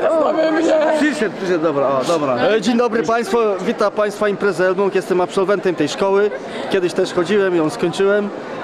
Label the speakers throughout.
Speaker 1: Przyszedł, dobra, dobra. Dzień dobry Państwu, witam Państwa Imprezę Elbląg, jestem absolwentem tej szkoły. Kiedyś też chodziłem, ją skończyłem.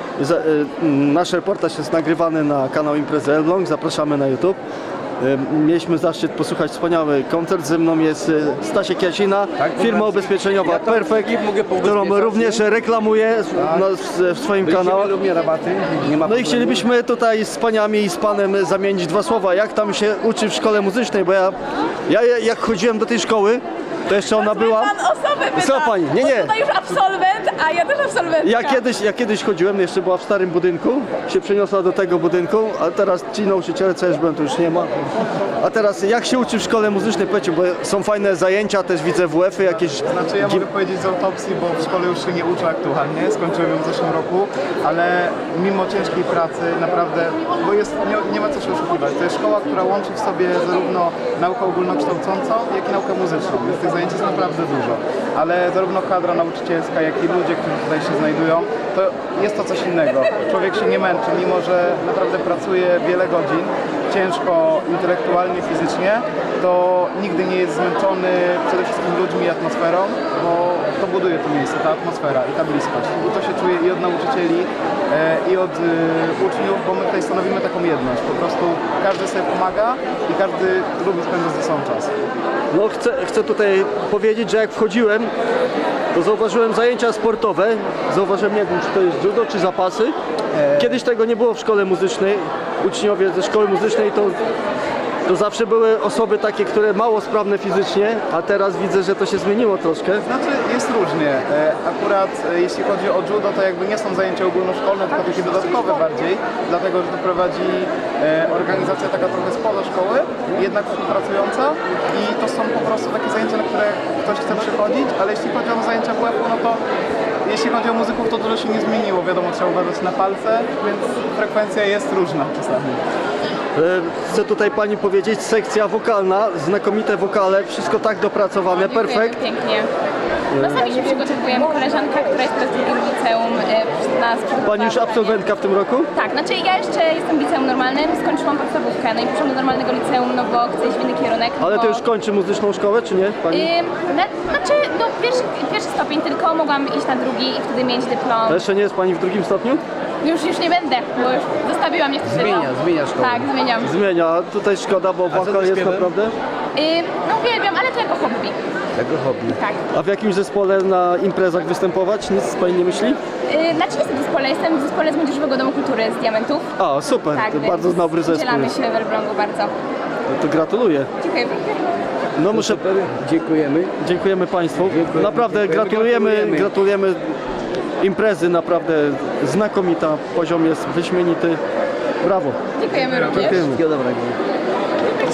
Speaker 1: Nasz reportaż jest nagrywany na kanał Imprezy Elbląg, zapraszamy na YouTube. Mieliśmy zaszczyt posłuchać wspaniały koncert. Ze mną jest Stasiek Jasina, firma ubezpieczeniowa Perfect, którą również reklamuję w swoim kanale. No i chcielibyśmy tutaj z paniami i z panem zamienić dwa słowa, jak tam się uczy w szkole muzycznej, bo ja jak chodziłem do tej szkoły, to jeszcze ona była...
Speaker 2: Pan osobę pyta,
Speaker 1: Co pani? Nie.
Speaker 2: Bo tutaj już absolwent, a ja też absolwentka.
Speaker 1: Ja kiedyś chodziłem, jeszcze była w starym budynku, się przeniosła do tego budynku, a teraz ci nauczyciele, co już byłem, to już nie ma. A teraz jak się uczy w szkole muzycznej, powiedzcie, bo są fajne zajęcia, też widzę WF-y jakieś...
Speaker 3: Znaczy ja mogę powiedzieć z autopsji, bo w szkole już się nie uczę aktualnie, skończyłem ją w zeszłym roku, ale mimo ciężkiej pracy naprawdę, bo nie ma co się oszukiwać, to jest szkoła, która łączy w sobie zarówno naukę ogólnokształcącą, jak i naukę muzyczną, więc tych zajęć jest naprawdę dużo, ale zarówno kadra nauczycielska, jak i ludzie, którzy tutaj się znajdują, to jest to coś innego. Człowiek się nie męczy, mimo że naprawdę pracuje wiele godzin, ciężko intelektualnie, fizycznie, to nigdy nie jest zmęczony przede wszystkim ludźmi i atmosferą, bo to buduje to miejsce, ta atmosfera i ta bliskość. I to się czuje i od nauczycieli, i od uczniów, bo my tutaj stanowimy taką jedność. Po prostu każdy sobie pomaga i każdy lubi spędzać ze sobą czas.
Speaker 1: No chcę tutaj powiedzieć, że jak wchodziłem, to zauważyłem zajęcia sportowe. Zauważyłem, nie wiem, czy to jest judo, czy zapasy. Kiedyś tego nie było w szkole muzycznej. Uczniowie ze szkoły muzycznej to zawsze były osoby takie, które mało sprawne fizycznie, a teraz widzę, że to się zmieniło troszkę.
Speaker 3: Znaczy jest różnie. Akurat jeśli chodzi o judo, to jakby nie są zajęcia ogólnoszkolne, tylko takie dodatkowe bardziej, dlatego że to prowadzi organizacja taka trochę spoza szkoły, jednak współpracująca i to są po prostu takie zajęcia, na które ktoś chce przychodzić, ale jeśli chodzi o zajęcia WF-u, no to jeśli chodzi o muzyków, to dużo się nie zmieniło. Wiadomo, trzeba uważać na palce, więc frekwencja jest różna czasami.
Speaker 1: Chcę tutaj pani powiedzieć, sekcja wokalna, znakomite wokale, wszystko tak dopracowane, perfekt.
Speaker 2: Pięknie. No sami się przygotowujemy. Koleżanka, która jest teraz w drugim liceum, nas przygotowała.
Speaker 1: Pani już absolwentka w tym roku?
Speaker 2: Tak, znaczy ja jeszcze jestem w liceum normalnym, skończyłam podstawówkę, no i poszłam do normalnego liceum, no bo chcę iść w inny kierunek.
Speaker 1: Ale
Speaker 2: bo...
Speaker 1: to już kończy muzyczną szkołę, czy nie? Pani?
Speaker 2: Znaczy, no pierwszy stopień tylko, mogłam iść na drugi i wtedy mieć dyplom.
Speaker 1: A jeszcze nie jest pani w drugim stopniu?
Speaker 2: Już nie będę, bo już zostawiłam niestety.
Speaker 4: Zmienia szkołę.
Speaker 2: Tak, zmieniam.
Speaker 1: Zmienia, tutaj szkoda, bo wokal jest naprawdę.
Speaker 2: No uwielbiam, ale to jako hobby.
Speaker 4: Jako hobby.
Speaker 2: Tak.
Speaker 1: A w jakimś zespole na imprezach występować? Nic pani nie myśli?
Speaker 2: Znaczy jestem w zespole, jestem w zespole z Młodzieżowego Domu Kultury z Diamentów.
Speaker 1: A, super,
Speaker 2: Tak,
Speaker 1: to
Speaker 2: więc
Speaker 1: bardzo dobry zespół.
Speaker 2: udzielamy
Speaker 1: jest.
Speaker 2: się w Elblągu bardzo.
Speaker 1: To gratuluję.
Speaker 2: Dziękuję.
Speaker 1: No muszę,
Speaker 4: Super, dziękujemy.
Speaker 1: dziękujemy Państwu.
Speaker 4: Dziękujemy,
Speaker 1: Naprawdę
Speaker 4: dziękujemy,
Speaker 1: gratulujemy imprezy, naprawdę znakomita, poziom jest wyśmienity. Brawo.
Speaker 2: Dziękujemy również.
Speaker 1: Dziękujemy.
Speaker 4: Wszystkiego dobrego.